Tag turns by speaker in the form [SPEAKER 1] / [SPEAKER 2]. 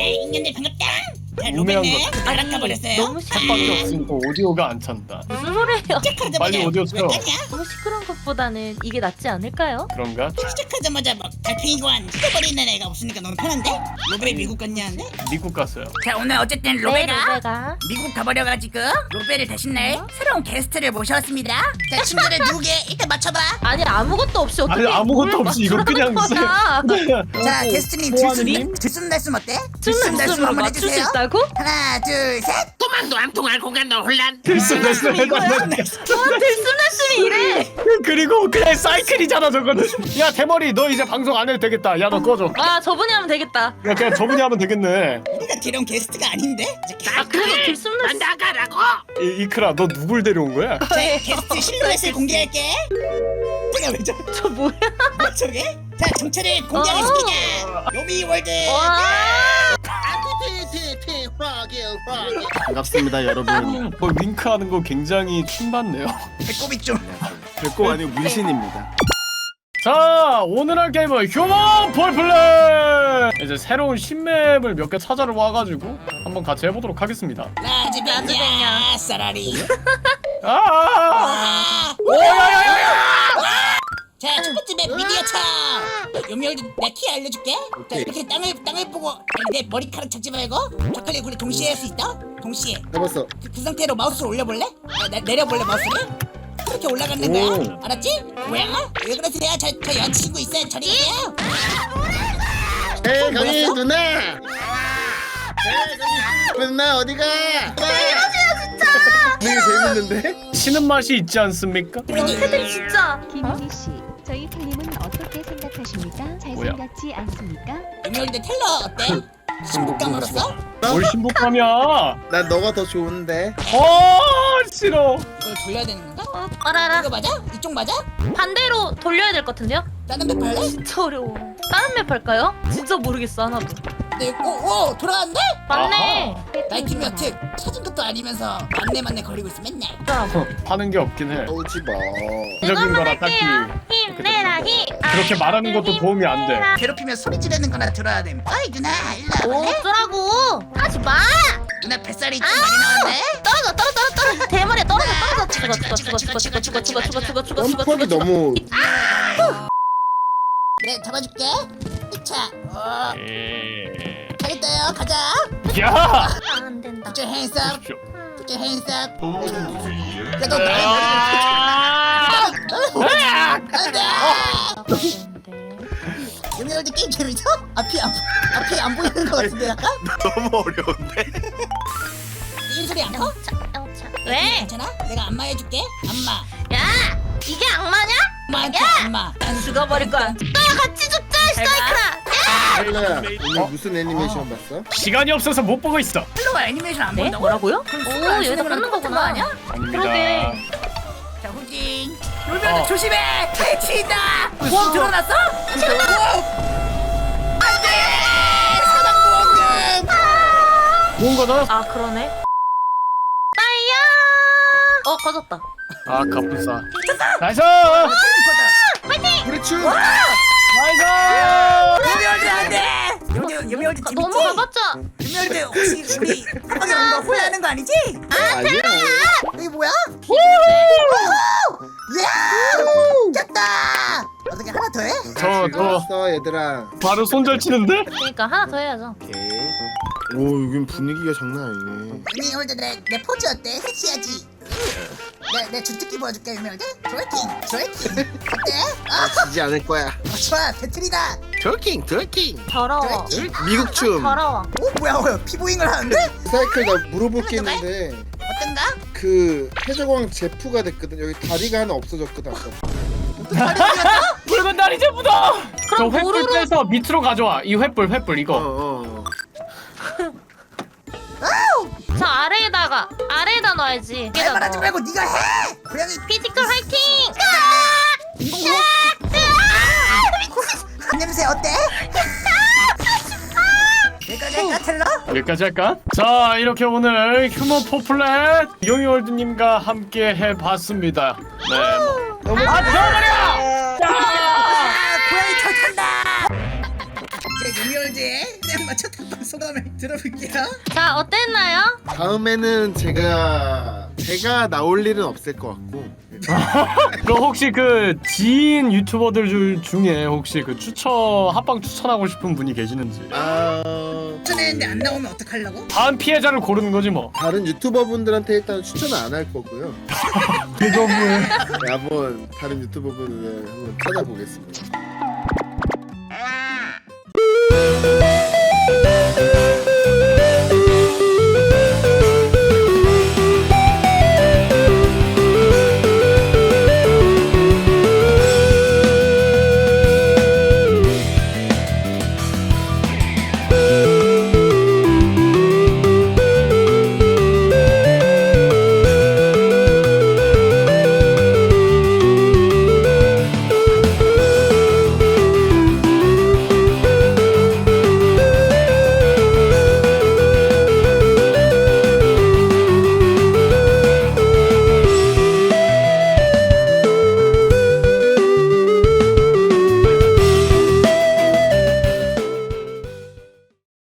[SPEAKER 1] 인간들 반갑다. 자,
[SPEAKER 2] 우매한
[SPEAKER 1] 로베네
[SPEAKER 2] 것
[SPEAKER 1] 바람 가버렸어요.
[SPEAKER 3] 너무
[SPEAKER 2] 팟빵이 없으니까 오디오가 안 찬다.
[SPEAKER 3] 무슨 소리예요?
[SPEAKER 1] 시작하자마자
[SPEAKER 2] 빨리 오디오
[SPEAKER 1] 왜
[SPEAKER 2] 쳐요.
[SPEAKER 1] 까냐?
[SPEAKER 3] 너무 시끄러운 것보다는 이게 낫지 않을까요?
[SPEAKER 2] 그런가?
[SPEAKER 1] 시작하자마자 막 달팽이관 찢어버리는 애가 없으니까 너무 편한데? 로베 미국 갔냐는데?
[SPEAKER 2] 미국 갔어요.
[SPEAKER 1] 자 오늘 어쨌든
[SPEAKER 3] 네,
[SPEAKER 1] 로베가
[SPEAKER 3] 로베가
[SPEAKER 1] 미국 가버려가지고 로베를 대신할 새로운 게스트를 모셔왔습니다. 자 친구들 누구게? 일단 맞춰봐.
[SPEAKER 3] 아니 아무것도 없이 어떻게
[SPEAKER 2] 아니, 아무것도
[SPEAKER 3] 뭘
[SPEAKER 2] 없이 이거
[SPEAKER 3] 맞추라는
[SPEAKER 2] 그냥
[SPEAKER 3] 거야.
[SPEAKER 1] 자 게스트님
[SPEAKER 2] 호환님?
[SPEAKER 1] 들숨날숨 어때?
[SPEAKER 3] 춤날숨으로 맞출 수 있다고?
[SPEAKER 1] 하나 둘셋
[SPEAKER 4] 도망도 안 통할 공간도 혼란.
[SPEAKER 2] 들숨날숨 해달라는
[SPEAKER 3] 들숨날숨이 이래.
[SPEAKER 2] 그리고 그냥 사이클이잖아 저거는. 야 대머리 너 이제 방송 안 해도 되겠다. 야 너 꺼져.
[SPEAKER 3] 아 저분이 하면 되겠다.
[SPEAKER 2] 야 그냥 저분이 하면 되겠네.
[SPEAKER 1] 우리가 데려온 게스트가 아닌데?
[SPEAKER 3] 아 그래도 들숨날숨
[SPEAKER 4] 난 나가라고.
[SPEAKER 2] 이크라 너 누굴 데려온 거야?
[SPEAKER 1] 자 게스트 실루엣을 공개할게. 내가 왜 저래?
[SPEAKER 3] 저 뭐야?
[SPEAKER 1] 뭐 저게? 자 정체를 공개하겠습니다. 요미월드.
[SPEAKER 3] 와.
[SPEAKER 4] 티티티티 확인 확인.
[SPEAKER 5] 반갑습니다 여러분.
[SPEAKER 2] 뭐 윙크하는 거 굉장히 춤받네요.
[SPEAKER 1] 배꼽이 좀.
[SPEAKER 5] 별거 아니고 문신입니다.
[SPEAKER 2] 자 오늘 할 게임은 휴먼 폴플레이. 이제 새로운 신맵을 몇 개 찾아러 와가지고 한번 같이 해보도록 하겠습니다.
[SPEAKER 1] 라즈베냐 사라리. 자, 첫 번째 맵 미디어차. 요미월드 내 키 알려줄게. 자, 이렇게 땅을 보고 아니, 내 머리카락 잡지 말고 좌클릭 우리 동시에 할 수 있다. 동시에.
[SPEAKER 5] 해봤어.
[SPEAKER 1] 그 상태로 마우스를 올려볼래? 내려볼래 마우스를? 그렇게 올라가는 거야. 알았지? 뭐야? 왜 그러세요? 저 여자친구 있어요. 저리 가세요.
[SPEAKER 5] 에이 강희 누나. 누나 어디가? 되게 재밌는데?
[SPEAKER 2] 치는 맛이 있지 않습니까?
[SPEAKER 3] 새들 진짜.
[SPEAKER 6] 김희희 씨, 저희 텔님은 어떻게 생각하십니까? 잘생겼지 않습니까?
[SPEAKER 1] 요미월드 텔러 어때? 신부감으로서?
[SPEAKER 2] 뭘 신복감이야?
[SPEAKER 5] 난 너가 더 좋은데.
[SPEAKER 2] 싫어.
[SPEAKER 1] 이걸 돌려야 되는 건가?
[SPEAKER 3] 알아라.
[SPEAKER 1] 이거 맞아? 이쪽 맞아?
[SPEAKER 3] 반대로 돌려야 될 것 같은데요?
[SPEAKER 1] 다른 맵 할래?
[SPEAKER 3] 진짜 어려워. 다른 맵 할까요? 진짜 모르겠어 하나도.
[SPEAKER 1] 네, 오 돌아왔네?
[SPEAKER 3] 맞네.
[SPEAKER 1] 나이키미 어택 찾은 것도 아니면서 맞네 걸리고 있어 맨날.
[SPEAKER 2] 하는 게 없긴 해.
[SPEAKER 5] 오지 마.
[SPEAKER 2] 적인 거라 딱히
[SPEAKER 3] 힘내라 힘.
[SPEAKER 2] 그렇게 말하는 것도 도움이 안 돼.
[SPEAKER 1] 괴롭히면 소리 지르는 거나 들어야 돼. 어이 누나 일로 와볼래?
[SPEAKER 3] 어쩌라고? 하지 마.
[SPEAKER 1] 누나 뱃살이 좀 많이 나왔네?
[SPEAKER 3] 떨어져. 대머리에 떨어져. 죽어.
[SPEAKER 5] 뻔뻔이 너무.
[SPEAKER 1] 그래 잡아줄게. 자, 잘했어요. 가자.
[SPEAKER 2] 야!
[SPEAKER 3] 안 된다.
[SPEAKER 1] Put your hands up.
[SPEAKER 2] 보십시오.
[SPEAKER 1] Put your hands up. 야너 나의 머리를 안돼. 요미월드 게임 재밌어? 앞이 안 보이는 것 같은데 약간?
[SPEAKER 5] 너무 어려운데.
[SPEAKER 1] 이 소리 안 커?
[SPEAKER 3] 왜?
[SPEAKER 1] 괜찮아? 내가 안마 해줄게. 안마.
[SPEAKER 3] 야, 이게 악마냐?
[SPEAKER 1] 안마한테 안마. 난
[SPEAKER 3] 죽어버릴 거야. 너 같이 죽자, 사이클아.
[SPEAKER 5] 헬라야 오늘 무슨 애니메이션 봤어?
[SPEAKER 2] 시간이 없어서 못 보고 있어.
[SPEAKER 1] 플로우 애니메이션 안
[SPEAKER 3] 네?
[SPEAKER 1] 본다고?
[SPEAKER 3] 뭐라고요? 오, 여기다 꽂는 거구나.
[SPEAKER 1] 아니야?
[SPEAKER 2] 아닙니다.
[SPEAKER 3] 그러게.
[SPEAKER 1] 자 후진. 요미월드 조심해. 퇴치다. 보험 들어놨어? 안돼. 사망보험금.
[SPEAKER 2] 좋은 거다.
[SPEAKER 3] 아, 그러네. 빠이야. 꺼졌다.
[SPEAKER 2] 아 갑분싸. 나이스!
[SPEAKER 5] 그렇지.
[SPEAKER 2] 나이스!
[SPEAKER 1] 요미월드 안돼. 요미월드 재밌지?
[SPEAKER 3] 넘어가봤자.
[SPEAKER 1] 요미월드 혹시 우리 한방에 온거 홀라하는 거 아니지?
[SPEAKER 5] 아니야.
[SPEAKER 1] 이게 뭐야? 야! 깼다! 어떻게 하나 더 해?
[SPEAKER 2] 저
[SPEAKER 5] 즐거웠어 얘들아.
[SPEAKER 2] 바로 손절 치는데?
[SPEAKER 3] 그러니까 하나 더 해야죠.
[SPEAKER 5] 오케이. 오 여긴 분위기가 장난 아니네.
[SPEAKER 1] 요미월드 내 포즈 어때? 섹시하지? 내 주특기 보여줄게 요미월드? 트월킹 어때?
[SPEAKER 5] 지지 않을 거야.
[SPEAKER 1] 좋아 배틀이다.
[SPEAKER 5] 트월킹.
[SPEAKER 3] 더러워.
[SPEAKER 5] 미국 춤.
[SPEAKER 3] 더러워.
[SPEAKER 1] 오 뭐야 피부잉을 하는데?
[SPEAKER 5] 사이클 나 물어볼 게 있는데
[SPEAKER 1] 어떤가?
[SPEAKER 5] 그 해적왕 제프가 됐거든. 여기 다리가 하나 없어졌거든 아까.
[SPEAKER 2] 붉은 다리 제부다. 저
[SPEAKER 3] 그럼
[SPEAKER 2] 횃불
[SPEAKER 3] 보루로-
[SPEAKER 2] 빼서 밑으로 가져와. 이 횃불 이거.
[SPEAKER 5] 어.
[SPEAKER 3] 저 아래에다 놔야지.
[SPEAKER 1] 말 말하지 말고 네가 해! 고양이
[SPEAKER 3] 피지컬 화이팅!
[SPEAKER 1] 냄새 어때? 내가 텔러?
[SPEAKER 2] 여기까지 할까? 자 이렇게 오늘 휴먼 포플렛 요미월드님과 함께 해봤습니다. 네. 뭐.
[SPEAKER 1] 아 고양이 털 탄다! 제 요미월드에 그냥 맞춰 탑방 소감을 들어볼게요.
[SPEAKER 3] 자 어땠나요?
[SPEAKER 5] 다음에는 제가 나올 일은 없을 것 같고
[SPEAKER 2] 그럼 혹시 그 지인 유튜버들 중에 혹시 그 합방 추천하고 싶은 분이 계시는지.
[SPEAKER 1] 추천했는데 안 나오면 어떡하려고?
[SPEAKER 2] 다음 피해자를 고르는 거지 뭐.
[SPEAKER 5] 다른 유튜버분들한테 일단 추천은 안 할 거고요.
[SPEAKER 2] 그거 뭐야?
[SPEAKER 5] 네, 한번 다른 유튜버분을 한번 찾아보겠습니다.